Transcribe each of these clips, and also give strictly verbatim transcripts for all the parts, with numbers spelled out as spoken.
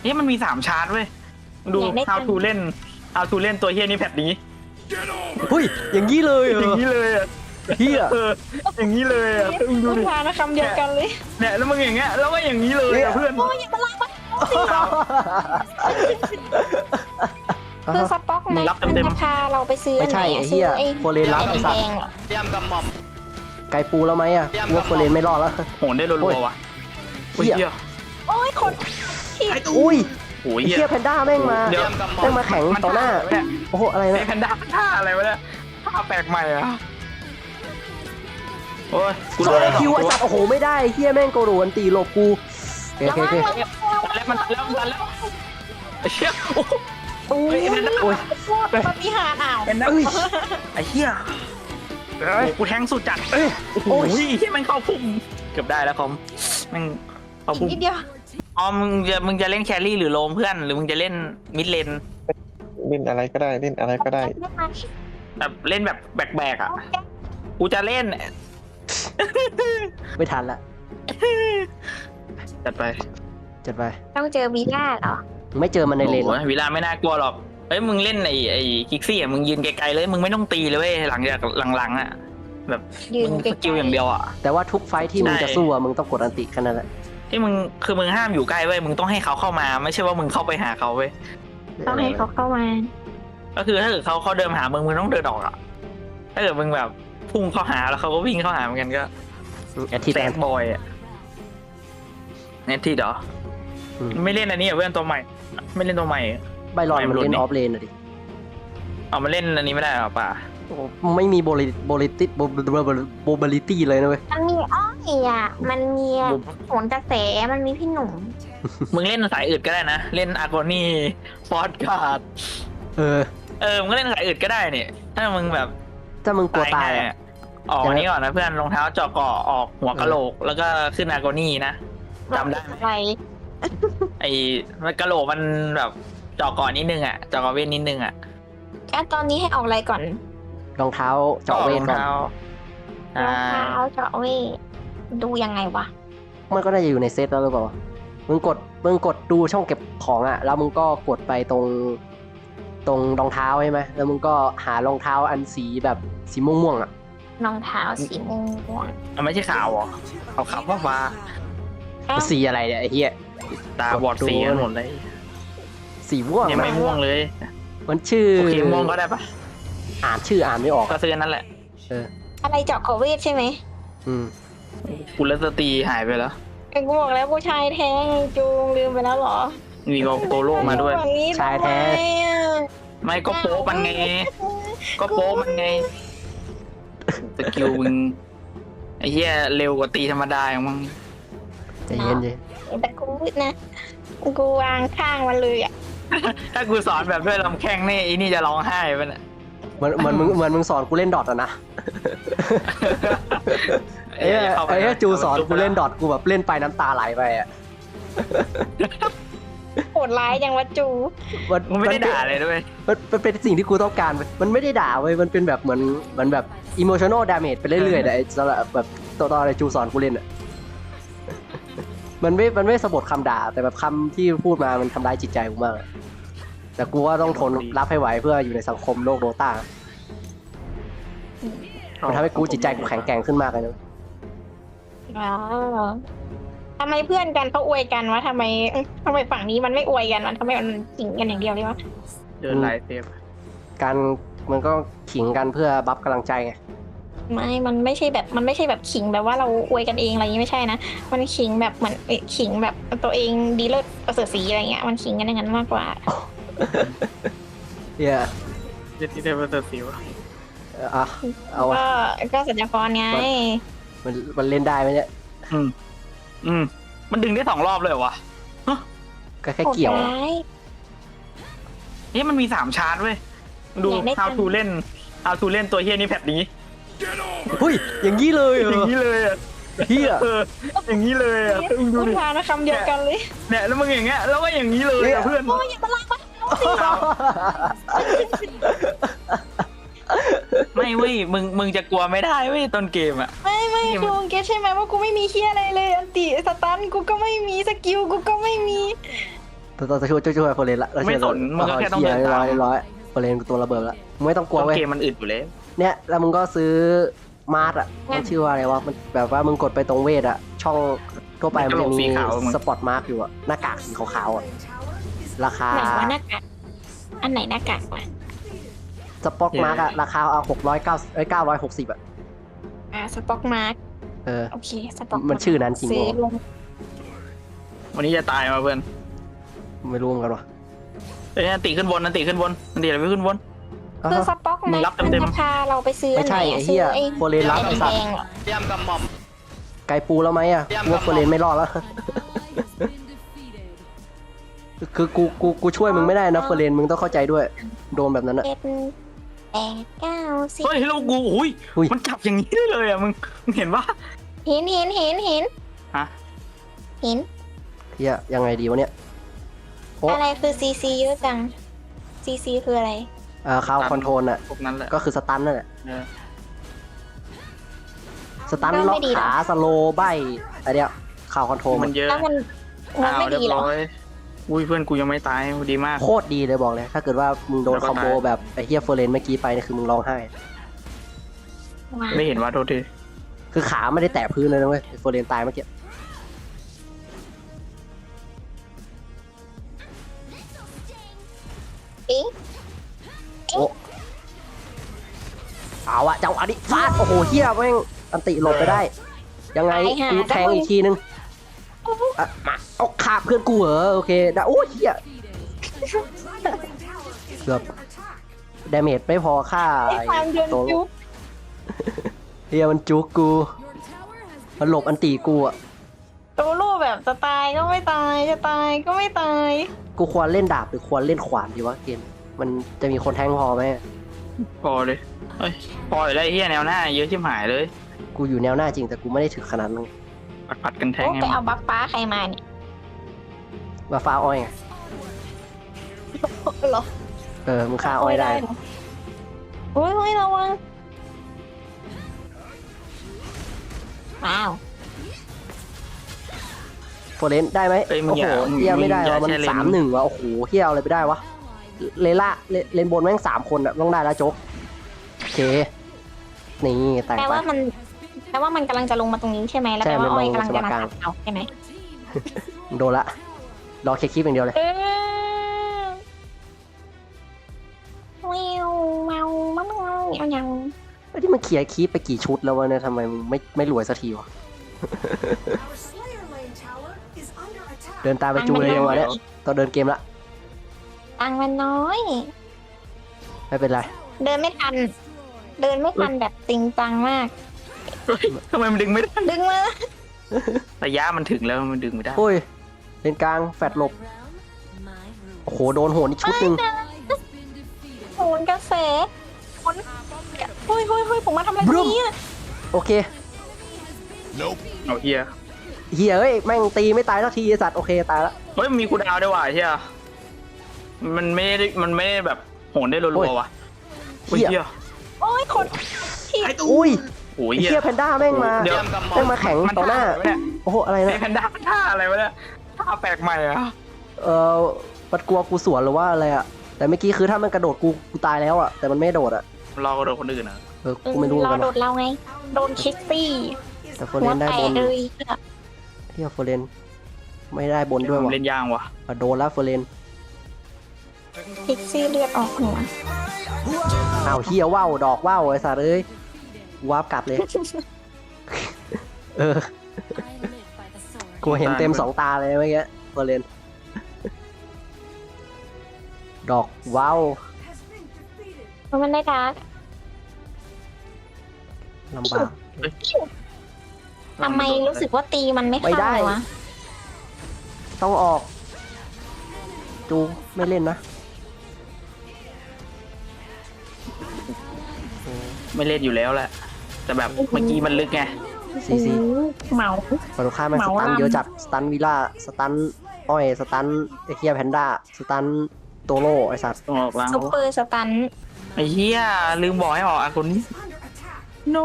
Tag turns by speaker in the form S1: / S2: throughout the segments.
S1: นี่มันมีสามชาร์จเว้ยดู how to เล่น how to เล่นตัวเฮียนี่แพทนี้
S2: เฮ้ยอย่างนี้เลยเหรอ
S1: อย่างนี้เลยอ่ะ
S2: เฮีย
S1: เอออย่างนี้เลยอ่ะมึงดู
S3: พูด
S1: ดิ
S3: มานะคำเดียวกันเลย
S1: เนี่ยแล้วมึงอย่างเงี้ยแล้วก็อย่างนี้เลยอ่ะเพื่อน
S3: โอ้ยอย่ามาลากมาคือสป็อกนะมันจะพาเราไปซื้อ
S2: ไม่ใช่ไอ้เฮียโฟเรนรับไอ้สัตว์
S4: ยำกับหม่อม
S2: ไก่ปูแล้วไหมอ่ะกูว่าโฟเรนไม่รอดแล้ว
S1: โหนได้รัวๆว่ะ
S2: เหี้ย
S1: เฮีย
S3: โอ้ยคนที่
S2: อุ้ย
S1: โอ้ย
S2: ไอ้
S1: เฮี
S2: เฮี
S1: ย
S2: ยแพนด้าแม่งมา
S1: เดี๋ยว
S2: แม่งมาแข็งต่อหน้า
S1: เนี่ย
S2: โอ้โหอะไร
S1: ไอ้
S2: เนี่ย
S1: แพนด้าท่าอะไรวะเนี่ยท่าแปลกใหม่อ่ะโอ้ยกู
S2: โซ
S1: โดน
S2: เล
S1: แล้ว
S2: คิวไอ้สัตว์โอ้โหไม่ได้เฮียแม่งโกโดนตีหลบกูโอเคโอเค
S1: แล้วมันแล้วมันแล้วไอ้เชี่ยโอ้
S3: โอ้ย
S2: โอ้ย
S3: ปฏิหารอ้าว
S1: เป็นนักไอ้เหี้ยโอ้กูแทงสุดจัด
S2: เอ้ย
S1: โอ้ยที่มันเข้าพุ่มเกือบได้แล้วคอมมันเข้า
S3: อีก
S1: พุ่ม
S3: นิดเดียว
S1: อ๋อมึงจะมึงจะเล่นแครี่หรือโลมเพื่อนหรือมึงจะเล่นมิดเลน
S5: เล่นอะไรก็ได้เล่นอะไรก็ได้
S1: แบบเล่นแบบแบกๆอ่ะกูจะเล่น
S2: ไม่ทันละ
S1: จัดไป
S2: จัดไป
S3: ต้องเจอวีล่าเหรอ
S2: ไม่เจอมันในเลนหรอก
S1: โอ้ยวิลาไม่น่ากลัวหรอกเฮ้ยมึงเล่นไอ้ไอ้คิกซี่อ่ะมึงยืนไกลๆเลยมึงไม่ต้องตีเลยเว้ยหลังจากหลังๆอ่ะแบบ
S3: ยืน
S1: มึง
S3: ไกล
S1: สกิลอย่างเดียวอ่ะ
S2: แต่ว่าทุกไฟท์ที่มึง
S1: ใช่
S2: จะสู้อะมึงต้องกดอันติแค่นั้นแหละ
S1: ที่มึงคือมึงห้ามอยู่ใกล้เว้ยมึงต้องให้เขาเข้ามาไม่ใช่ว่ามึงเข้าไปหาเขาเว้ย
S3: ต้องให้เขาเข้ามา
S1: ก็คือถ้าเกิดเขาเขาเดินมาหามึงมึงต้องเดินออกอ่ะถ้าเกิดมึงแบบพุ่งเข้าหาแล้วเขาก็วิ่งเข้าหาเหมือนกันก็
S2: แอดทิต
S1: แซดบอยอ่ะเน็ตที่เหรอไม่เล่นอันนี้อ่ะเพื่อนตัวใหม่ ไม่เล่นตัวใหม่
S2: ใบรอน
S1: ไม่
S2: มัน
S1: รู้
S2: เล่น
S1: นี่
S2: ออฟเลนอะดิ
S1: เอามาเล่นอันนี้ไม่ได้หรอป่ะ
S2: โอ้โหไม่มีโบลิโบลิติโบโบลิตี้เลยนะเว้ย
S3: มันมีอ้อยอ่ะมันมีโหนกระแสมันมีพี่หนุ่ม
S1: มึงเล่นสายอื่นก็ได้นะเล่นอาร์โกนี่ฟอร์ดการ์ด
S2: เออ
S1: เออมึงก็เล่นสายอื่นก็ได้เนี่ยถ้ามึงแบบ
S2: ถ้ามึงกลัวตาย
S1: ง่
S2: อะ
S1: ออกอันนี้ก่อนนะเพื่อนรองเท้าเจาะเกาะออกหัวกะโหลกแล้วก็ขึ้นอาร์โกนี่นะจำได้ไหม
S3: อะไร
S1: ไอ้มันกะโหลกมันแบบเจาะเกาะนิดนึงอ่ะเจาะเกาะเวทนิดนึงอ่ะ
S3: อ่ะตอนนี้ให้ออกอะไรก่อน
S2: รองเท้าเจาะเวท
S1: รอง
S2: ก่อน
S1: เท้าร
S3: อ
S1: อ่าง
S3: เท้าเจาะเวทดูยังไงวะ
S2: มันก็น่าจะอยู่ในเซตแล้วหรือเปล่ามึงกดมึงกดดูช่องเก็บของอ่ะแล้วมึงก็กดไปตรงตรงรองเท้าใช่ไหมแล้วมึงก็หารองเท้าอันสีแบบสีม่วงๆอ่ะ
S3: รองเท้าสีม่วง
S1: อ่ะไม่ใช่ขาวเหรอขาวขาวฟ้า
S3: อ้าว
S2: สีอะไรเนี่ยไอ้เหี้ย
S1: ๆตาบอดสีกันหมดเลย
S2: สีม่วง
S1: ยังไม่ม่วงเลย
S2: มันชื่อ
S1: โอเคม่วงก็ได้ปะ
S2: อ่านชื่ออ่านไม่ออก
S1: ก็
S2: อะ
S1: ซื้อนั่นแหละ
S2: เออ
S3: อะไรเจาะเกาะเวทใช่ไหม
S2: อืม
S1: กุลสตรีหายไปแล้ว
S3: เอ็งกูบอกแล้วผู้ชายแท้งจูงลืมไปแล้วเหรอ
S1: มีโกโกโร่มาด้วย
S3: แบบนี้
S2: ชายแท้
S3: ทำไมอ่ะ
S1: ไม่ก็โป๊มันไง ก็โป๊มันไงสกิลมึงไอ้เหี้ยเร็วกว่าตีธรรมดาอย่างมึง
S2: ใจเย็นเลย
S3: แต่กูนะกูวางข้างมันเลยอ่ะ
S1: ถ้ากูสอนแบบด้วยลำแข้งนี่ไอ้นี่จะร้องไห้ไปน่ะ
S2: เหมือนเหมือนมึงเหมือนมึงสอนกูเล่นดอทอะนะไอ้เหี้ยไอ้เหี้ยจูสอนกูเล่นดอทกูแบบเล่นไปน้ำตาไหลไปอ่ะ
S3: โหดร้ายจังวะจู
S2: มัน
S1: มึงไม่ได้ด่าเลยด้วย
S2: มันมันเป็นสิ่งที่กูต้องการเว้ยมันไม่ได้ด่าเว้ยมันเป็นแบบเหมือนเหมือนแบบ emotional damage ไปเรื่อยๆแต่ไอ้สำหรับแบบตัวตอนไอ้จูสอนกูเล่นอ่ะ มันไม่มันไม่สะบดคำด่าแต่แบบคำที่พูดมามันทำร้ายจิตใจกูมากอะแต่กูว่าต้องทนรับให้ไหวเพื่ออยู่ในสังคมโลกโดตามันทำให้กูจิตใจกูแข็งแกร่งขึ้นมากเลยนะ
S3: อ๋อทำไมเพื่อนกันเขาอวยกันวะทำไมทำไมฝั่งนี้มันไม่อวยกันวะทำไมมันจิงกันอย่างเดียวเลยวะ
S1: เดินไลฟ์เซฟ
S2: การมันก็ขิงกันเพื่อบัฟกำลังใจไง
S3: ไม่มันไม่ใช่แบบมันไม่ใช่แบบขิงแบบว่าเราอวยกันเองอะไรอย่างงี้ไม่ใช่นะมันขิงแบบเหมือนเอ๊ะขิงแบบตัวเองดีเลิศประเสริฐศรีอะไรเงี้ยมันขิงกันอย่างนั้นมากกว่า
S2: เฮีย
S1: เจ็ดที่เทพเตอร์สิวะ
S2: เอ่ออ่ะเอาวะ
S3: ก็ก็สัญญากรไง
S2: มันมันเล่นได้ไหมเนี่ย
S1: อืมอืมมันดึงได้สองรอบเลยเหรอวะ
S2: ก็แค่เกี่ยว
S3: โหดร้าย
S1: นี่มันมีสามชาร์จเว้ยดู
S3: อยากได้
S1: how to เล่น how to เล่นตัวเฮียนี่แพทนี้
S2: เฮ้ยอย่างนี้เลยเหร
S1: อย่าง
S2: อ
S1: นี้เลยอ่ะ
S2: เฮีย
S1: เอออย่างนี้เลยอ่ะมึงดู
S3: พูด
S1: ดิ
S3: มานะคำเดียวกันเลย
S1: เนี่ยแล้วมึงอย่างเงี้ยแล้วก็อย่างนี้เลยอ่ะเพื่อน
S3: โอ้ยอย่ามาลากมา
S1: ไม่เว้ยมึงมึงจะกลัวไม่ได้เว้ยต้นเกมอ่ะ
S3: ไม่ไม่ดูเก็ตใช่ไหมว่ากูไม่มีเคียอะไรเลยอันติสตันกูก็ไม่มีสกิลกูก็ไม่มี
S2: เราจะช่วยช่วยโฟเรนละเราช่วย
S1: ไม่สนมึงก็แค่ต้องเดิน
S2: เรียบ
S1: ตาม
S2: ร้อยเรียบร้อยโฟเรนกูตัวระเบิดละมึงไม่ต้องกลัว
S1: ต้น
S2: เว้ย
S1: เกมมันอึดอยู่แล้ว
S2: เนี่ยแล้วมึงก็ซื้อมาร์ทอ่ะมันชื่อว่าอะไรวะมันแบบว่ามึงกดไปตรงเวทอ่ะช่องทั่วไปมันจะมีสปอตมาร์กอยู่อ่ะหน้ากากสีขาวๆอ่ะราคา
S3: ไหนว่าหน้ากากอันไหนหน้ากากวะ
S2: สปอตมาร์กอ่ะราคาเอาหกร้อยเก้าเอ้ยเก้าร้อยหกสิบอ่ะ
S3: อ่าสป็อกมาร์ก
S2: เออ
S3: โอเคสป็อก
S2: มันชื่อนั้นจริง
S3: ซื้อ
S2: เหรอ
S3: ลง
S1: วันนี้จะตายมาเพื่อน
S2: ไม่รู้เหมือนกันวะ
S1: เอ้ยนันติขึ้นบนนันติขึ้นบนนันติอะไรไม่ขึ้นบน
S2: อ้าว
S3: คือสป็อก
S1: มึ
S3: มาง
S1: รับ
S3: ร์กมัน
S1: เต็มๆ
S3: จะพาเราไปซื้อ
S2: ไม่ใช่
S3: อันหนอะ
S2: ไอ้เหี้ย
S3: ซื้
S2: โฟเรนรับไอ้สัตว์
S3: แดงๆเหรอ
S1: เตรียมกำหม่อม
S2: ไกลปูแล้วไหมอ่ะกูว่าโฟเรนไม่รอดแล้ว คือกูกูกูช่วยมึงไม่ได้นะโฟเรนมึงต้องเข้าใจด้วยโดนแบบนั้นอ่ะ
S3: เจ็ดแปดเก้าสิบ
S1: เฮ้ยแล้วกูอุ้ย
S2: อุ้ย
S1: มันจับอย่างนี้ได้เลยอ่ะมึงมึงเห็นปะ
S3: เห็นเห็นเห็นเห็น
S1: ฮะ
S3: เห็น
S2: เฮียยังไงดีวะเนี่ยโอ้
S3: อะไรคือซีซีเยอะจังซีซีคืออะไร
S2: อ่าคาวคอนโทรลอ่ะ
S1: พวกนั้นแหละ
S2: ก็คือสตันนั่นแหละ
S1: เออ
S2: สตันล็อกขาสโลว์ใบอะไรเนี่ยข่าวคอนโทรล
S1: มันเยอะ
S3: แล้วมันมัน
S1: อ้าว
S3: ไม่
S1: เรีย
S3: ดี
S1: บ
S3: เหรอ
S1: ร้อยอุ้ยเพื่อนกูยังไม่ตายดีมาก
S2: โคตรดีเลยบอกเลย ถ้าเกิดว่ามึงโดน
S1: แล้วก็
S2: คอมโบ
S1: ตาย
S2: แบบไอ้เฮียเฟอร์เรนเมื่อกี้ไปเนี่ยคือมึงร้องไห้
S3: ว้าว
S1: ไม่เห็นว่าโทษที
S2: คือขาไม่ได้แตะพื้นเลยนะเว้ยเฟอร์เรนตายเมื่อกี้
S3: เอ๊ะ
S2: โอ้เอาอะเจ้าอันนี้ฟาดโอ้โหเฮียแม่งอันติหลบไปได้ ยังไงกูแทงอีกทีนึงอ่ะมาเอาขาเพื่อนกูเหรอโอเคได้โอ้เฮียเกือบดาเมจไม่พอค่า
S3: ไอ้ความเดิน
S2: ตัว
S3: ยุบ
S2: เฮียมันจุกกูมันหลบอันตีกูอะ
S3: โตโร่แบบจะตายก็ไม่ตายจะตายก็ไม่ตาย
S2: กูควรเล่นดาบหรือควรเล่นขวานดีวะเกมมันจะมีคนแทงพอไหม
S1: พอเลยเฮ้ยพออยู่แล้วไอ้เฮียแนวหน้าเยอะชิบหายเลย
S2: กูอยู่แนวหน้าจริงแต่กูไม่ได้ถึงขนาดนั้น
S1: ปัดปัดกันแทง
S3: โอ้
S1: ไง
S3: ไปเอาบัฟฟ้าใครมาเนี่ย
S2: ว่าฟ้าอ้อยไง
S3: เหรอ
S2: เออมึงฆ่าอ้อยได้
S3: เหรอโอ้ยเฮ้ยระวังว้าว
S2: โฟเรนได้ไหม
S1: เอ้ยมึง
S2: โอ้
S1: อ
S2: โห
S1: ย่า
S2: เฮียไม่ได้
S1: อย่
S2: วะมัน
S1: ใช้เล
S2: สามหนึ่งวะโอ้โหเฮียเอาอะไรไปได้วะเลล่าเลเลนบนแม่งสามคนอะต้องได้แล้วโจ๊กโอเคนี่แต่ง
S3: แปล
S2: ไป
S3: ว่ามันแปลว่ามันกำลังจะลงมาตรงนี้ใช่ไหมแล้ว
S2: ใช่
S3: แปลว่า
S2: มัน
S3: อ้อย
S2: ลง
S3: กำลังจะมา
S2: สมการ
S3: ตัดเอาใช่ไหม
S2: โดนละรอเคลียร์คลิปอย่างเดียวเลย
S3: เออแมวแมวแมวแมวแมว
S2: ไอ้ที่มันเคลียร์คลิปไปกี่ชุดแล้ววะเนี่ยทำไมมึงไม่ไม่รวยสักทีวะ เดินตามไปจูเลยจังหวะเนี้ยต้องเดินเกมละ
S3: ตังค์มันน้อย
S2: ไม่เป็นไร
S3: เดินไม่ทัน เดินไม่ทันแบบจริงจังมาก
S1: เฮ้ยทำไมมันดึงไม่ได้
S3: ดึงมา
S1: ระยะมันถึงแล้วมันดึงไม่ได้
S2: โอ้ยเลนกลางแฟดหลบโอ้โหโดนโหนอีกชุดหนึ่ง
S3: โหนกระแสโหนเฮ้ยเฮ้ยเฮ้ยผมมาทำอะไรตรงนี้อะ
S2: โอเค
S1: เอาเฮีย
S2: เฮียเอ้ยแม่งตีไม่ตายสักทีไอ้สัตว์โอเคตายละ
S1: เฮ้ยมันมีคูลดาวน์ด้วยว่ะไอ้เฮียมันไม่ได้มันไม่ได้แบบโหนได้รัวๆว่ะโอ้ยเฮีย
S3: โอ้ยคนที่
S2: อุ้ย
S1: โอ้ย
S2: ไอ้
S1: เฮีย
S2: เฮียแพนด้าแม่งมา
S1: เดี๋ยว
S2: แม่งมาแข็งต่อหน้า
S1: มัท่ะไรวะเนี่ย
S2: โอ้โหอะไร
S1: ไอ้
S2: นะ
S1: แพนด้าท่าอะไรวะเนี่ยท่าแปลกใหม่อะ
S2: เออมันกลัวกูสวนหรือว่าอะไรอะแต่เมื่อกี้คือถ้ามันกระโดดกูกูตายแล้วอะแต่มันไม่โดดอะ
S1: รอโดนคนอื่นอะ
S2: เออกูไม่รู้เหมื
S3: ร
S2: อน
S3: อ
S2: กัน
S3: โด
S2: ว่ะ
S3: ดเราไง โดนคิสตี้
S2: แต่โฟ
S3: หั
S2: เร
S3: วน
S2: ได้
S3: แต
S2: บ
S3: ก
S2: น
S3: เลย
S2: เฮียโฟเรนไม่ได้บนด้วยว่ะ
S1: เล่นยางว่ะ
S2: อ่ะโดนแล้วโฟเรน
S3: คิกซี่เลือดออกหัว
S2: อ้าวเฮียว่าวดอกว่าวไอ้สัตว์เอ้ยวาร์ปกลับเลย เออกูเห็นเต็มสองตาเลยเมื่อกี้โฟเรนดอกว้าว
S3: เพราะมันได้ดาร์ก
S2: ลำบาก
S3: ทำไมรู้สึกว่าตีมันไม่
S2: ไม่
S3: เข้า
S2: ได้
S3: เลยวะ
S2: ต้องออก จูไม่เล่นนะ
S1: ไม่เล่นอยู่แล้วแหละแต่แบบเมื่อกี้มันลึกไง
S2: ซีซี
S3: โอ้โหเหมา
S2: ฝั่งตรงข้ามแม่ง
S3: เห
S2: ส
S3: มา
S2: ตัน
S3: ลำ
S2: เยอะจัดสตันวิล่าสตันอ้อยสตันไอเคียแพนด้าสตันโตโร่ไอสัตว์
S1: ต้องออกล้าง
S3: ซุปเปอร์สตัน
S1: ไอ้เหี้ยลืมบอกให้ออกอาคนนี้ no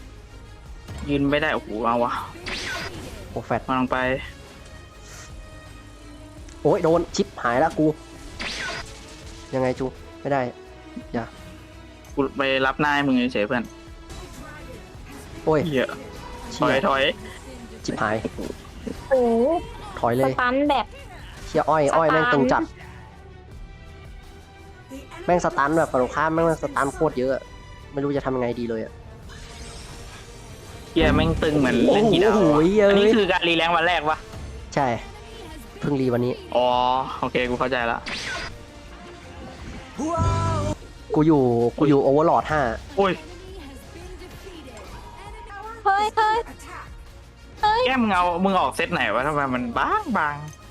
S1: ยืนไม่ได้โอ้โหเอาวะ
S2: โอ้แฟด
S1: มาลงไป
S2: โอ้ยโดนชิปหายแล้วกู ยังไงจูไม่ได้
S1: กูไปรับนายมึงเฉยๆเพื่อน
S2: โอ้ย
S1: เหี้ยถ
S2: เชี่
S1: อย
S2: ย
S1: ถอย
S2: ชิปหาย
S3: โอ้
S2: ถอย
S3: ส
S2: เลย
S3: ตันแบบ
S2: เชี่ยอ้อยอ้อยแม่งตึงจัด แม่งสตันแบบฝั่งตรงข้ามแม่งสตันโคตรเยอะ ไม่รู้จะทำยังไงดีเลยอะ
S1: เหี้ยแม่งตึงเหมือนเล่นกีฬา
S2: โอ้โหเอ้ย
S1: อันนี้คือการรีแรงวันแรกปะ
S2: ใช่ เพิ่งรีวันนี้
S1: อ๋อโอเคกูเข้าใจละ
S2: กูอยู่ กูอยู่โอเวอร์ลอดห้า
S1: โอ้ย
S3: เฮ้ยเฮ้ย
S1: แก้มเงามึงออกเซตไหนวะทำไมมันบางบาง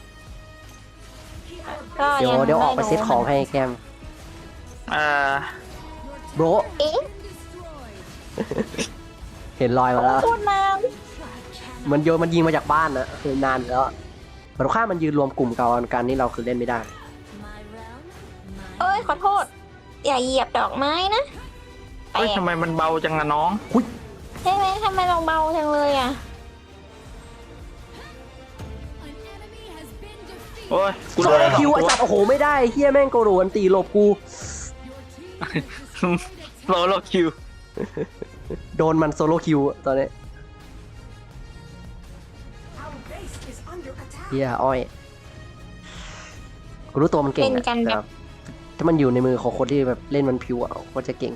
S3: ก็
S2: เดี๋ยว
S3: ยัง
S2: เดี๋ยวออกไป
S3: ม่
S2: เซตของให้แกม
S1: เอ่อ
S2: โบร
S3: เอ๊ะ
S2: เห็นรอยมาแล้ว
S3: พูดนาน
S2: มันโยนมันยิงมาจากบ้านนะคือนานแล้วฝั่งตรงข้ามมันยืนรวมกลุ่มกันการนี้เราคือเล่นไม่ได้
S3: เอ้ยขอโทษ อย่าเหยียบดอกไม้นะแป
S1: เฮ้ย
S3: ลก
S1: ทำไมมันเบาจังอะน้อง
S3: ใช่ไหมทำไมเราเบาจังเลยอ่ะ
S1: โอ้ยกู
S2: โซ
S1: โดน
S2: โล
S1: สอง
S2: คิว
S1: ตั
S2: ไอ้
S1: ว
S2: สัตว์โอ้โหไม่ได้เฮียแม่งโกโดนตีหลบกู
S1: โซโลคิว
S2: โดนมันโซโลคิวตอนนี้เฮียอ้อยกูรู้ตัวมันเก่ง
S3: เล่น
S2: อะ
S3: กันแบบ
S2: แต่ถ้ามันอยู่ในมือของคนที่แบบเล่นมันพิวอ่ะก็จะเก่ง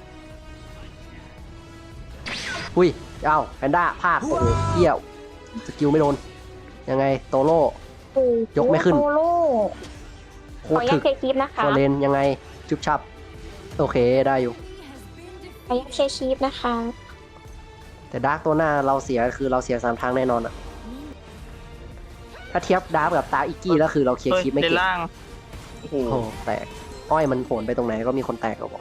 S2: อุ้ยเอ้าแพนด้าพลาดโอ้โหเฮียสกิลไม่โดนยังไงโตโร่
S3: โอ้โห
S2: ยกไม่ขึ้น
S3: โซโล่
S2: โค
S3: ขอ
S2: ต
S3: อ
S2: ร
S3: นุญา
S2: ถึ
S3: ต
S2: ก
S3: เช็คคลิปนะคะ
S2: ฟอร์เรนยังไงจุบชับโอเคได้อยู่
S3: ขออนุญาตเช็คคลิปนะคะ
S2: แต่ดาร์กตัวหน้าเราเสียคือเราเสียสามทางแน่นอนอะถ้าเทียบดาร์กกับตาอิกกี้แล้วคือเราเคลียร์
S1: เฮ้ย
S2: คลิปไม่
S1: เล
S2: เก่
S1: น
S2: ง
S1: ล่างโอ้โห
S2: โอ้โหแตกอ้อยมันโผลไปตรงไหนก็มีคนแตกก็บอก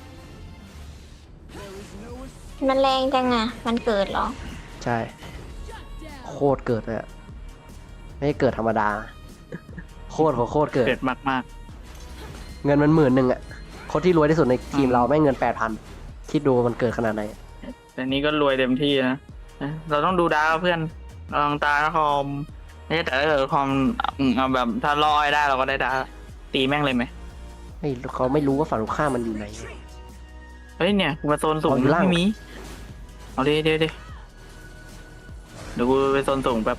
S3: มันแรงจังอ่ะ มันเกิดเหรอ
S2: ใช่โคตรเกิดเลยอะไม่ได้เกิดธรรมดา โคตรของโคตรเกิด
S1: เกิดมากมาก
S2: เงินมันหมื่นหนึ่งอะคนที่รวยที่สุดในทีมเราแม่งเงินแปดพันคิดดูมันเกิดขนาดไหน
S1: ๆแต่นี้ก็รวยเต็มที่นะเราต้องดูดาวเพื่อนลองตาคอมไม่ใช่แต่ถ้าเกิดคอมเอาแบบถ้าลอยได้เราก็ได้ดาวตีแม่งเลยไหม
S2: ไม่เขาไม่รู้ว่าฝั่งตรงข้ามมันอยู่ไหน
S1: เฮ้ยเนี่ยกูมาโซนสูง
S2: เอาอยู่ล่าง
S1: ไม่มีเอาดิเดี๋ยวดิเดี๋ยวกูไปโซนสูงแบบ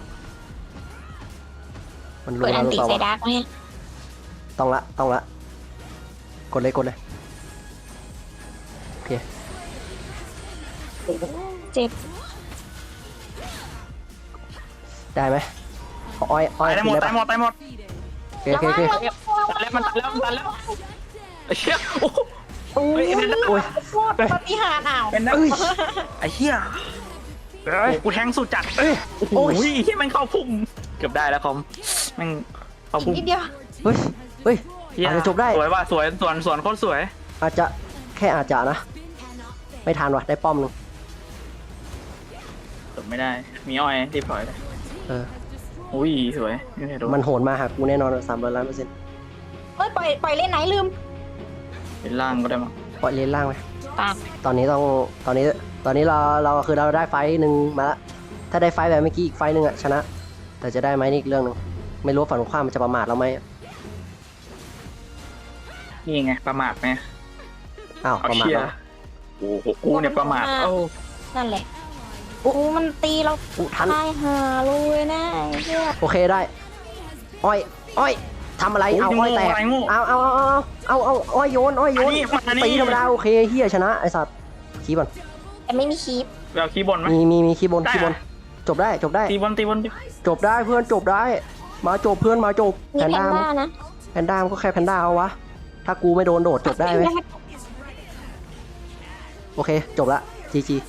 S2: มันรู้
S3: เปิด
S2: แล้
S3: อั
S2: วน หรือ
S3: ติ
S2: เปล่า
S3: ใส่
S2: วะ
S3: ดาร์กไหม
S2: ต้องละต้องละกดเลยกดเลยโอเค
S3: เจ็บ
S2: ได้ไหมอ้อยอ้อย
S1: ตายได้หมด
S2: กิน
S1: ตายหมดตายหมด
S2: โอเคโอเคโอเค
S3: ระวังระวัง
S1: ตายแล้วมันตายแล้วมันตายแล้วไอ้เหี้ยโอ้โห
S3: โอ้
S1: เฮ้ย
S3: ย
S1: เป็น
S2: โอ้ย
S3: โคตรปฏิหารย์อ้าว
S1: เป็นนะไอ้เหี้ยโอ้โหกูแทงสุดจัด
S2: เอ้ย
S1: โอ้โห
S2: โอ้ย
S1: ที่มันเข้าพุ่มเกือบได้แล้วคอมแม่งเข้าพุ่ม
S3: นิดเดียว
S2: เฮ้ยเฮ้ย
S1: เหี้ย
S2: อาจจะจบได้
S1: สวยว่ะสวยสวนสวนโคตรสวย
S2: อาจจะแค่อาจจะนะ ไม่ทันว่ะได้ป้อมหนึง
S1: จบไม่ได้ มีอ้อยรีบถอยเลย
S2: เออ
S1: อุ้ยสวยไม่เคยโดน
S2: มันโหนมาหากูแน่นอนสามร้อยล้านเปอร์เซ็นต์
S3: เฮ้ยปล่อยปล่อยเล่นไหนลืม
S1: เป็นล่างก็ได้มั้ง
S2: ปล่อยเลนล่างไป
S3: ตาม
S2: ตอนนี้ต้องตอนนี้ตอนนี้เราเราคือเราได้ไฟต์หนึ่งมาละถ้าได้ไฟต์แบบเมื่อกี้อีกไฟต์หนึ่งอะชนะ แต่จะได้ไหมนี่อีกเรื่องหนึ่งไม่รู้ว่าฝั่งตรงข้ามมันจะประมาทเราไหม
S1: นี่ไงประมาทไหม
S2: อ้าว
S1: เอา
S2: ประมาท
S1: เชีย
S2: แล้ว
S1: โอ้โหกูเนี่ยประมาทเอ้า
S3: นั่นแหละโอ้มันตีเรา
S2: อุ๊ทัน
S3: ตายหาเลยนะไอ้เหี้ย
S2: โอเคได้ อ้อย อ้อยทำอะไร
S1: โอ้ย
S2: เอาอ้อยแตก
S1: โง่
S2: เอาเอาเอาเอาเอาเอาอ้อยโยน อ้อยโยน
S1: อันนี้อันนี้
S2: ตีธรรมดาโอเคเฮียชนะไอสัตว์คีบอล
S3: แต่ไม่มีคลิป
S1: ไปเอาคีย์บอร์ดไหม
S2: มีมีมีคีบอล
S1: ได้
S2: คีบอล
S1: อะ
S2: จบได้จบได้
S1: ตีบอลตีบอลดิ
S2: จบได้เพื่อนจบได้ มาจบเพื่อนมาจบ
S3: มี
S2: แพน
S3: แพน
S2: ด้า
S3: ด้านะ
S2: แพนด้ามันก็แค่แพนด้าเอาวะ ถ้ากูไม่โดนโดดจบได้ไหมโอเค จบละจีจี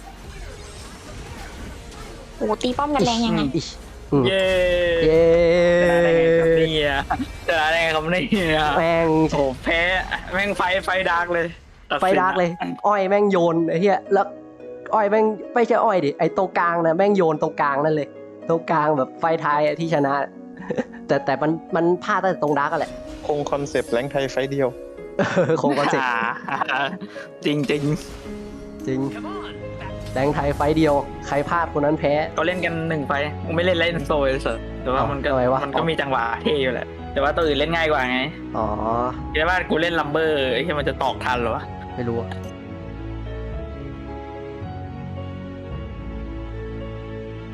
S3: โอ้ตีป้อมกันแรงยังไง
S2: อิชอืม
S1: เย้
S2: เย้
S1: ชนะได้ไงครับเนี่ยชนะได้ไงครับเนี่ย
S2: แม่ง
S1: โอ้แพ้แม่งไฟไฟดาร์กเลยตัสิน
S2: ไฟดาร์กเลย อ้อยแม่งโยนไอ้เหี้ยแล้วอ้อยแม่งไม่ใช่อ้อยดิไอ้ตรงกลางนะแม่งโยนตรงกลางนั่นเลย ตรงกลางแบบไฟท้ายอะที่ชนะ แต่แต่มันมันพลาดตั้งแต่ตรงดาร์กอะแหละ
S5: คงคอนเซปต์แรงไทยไฟต์เดียว
S2: คงคอนเซ็ปต์
S1: จริงจริง
S2: จริงแรงไทยไฟต์เดียวใครพลาดคนนั้นแพ้
S1: ก็เล่นกันหนึ่งไฟกูไม่เล่นเล่นโซยเสร็จแต่ว่ามันก็
S2: ทำไมวะ
S1: มันก็มีจังหวะเท่อยู่แหละแต่ว่าตัวอื่นเล่นง่ายกว่าไง
S2: อ๋อ
S1: คิดว่ากูเล่นลัมเบอร์ไอ้ที่มันจะตอกทันเหรอวะ
S2: ไม่รู้อะ